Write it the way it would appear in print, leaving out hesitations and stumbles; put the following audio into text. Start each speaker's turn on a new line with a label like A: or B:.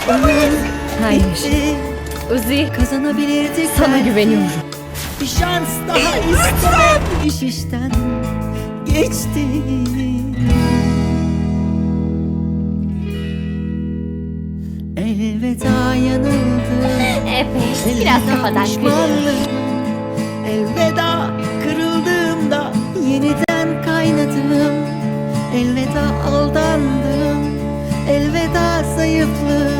A: Oyun
B: Hayır.
A: bitti.
B: Uzi,
A: Kazanabilirdik
B: sana
A: belki.
B: güveniyorum.
A: Bir şans daha istemem. İş işten geçti. Elveda yanıldım.
B: Evet, biraz
A: Elveda
B: kafadan kırıyorum.
A: pişmanlığım. Elveda kırıldığımda yeniden kaynadım. Elveda aldandım. Elveda zayıflığım.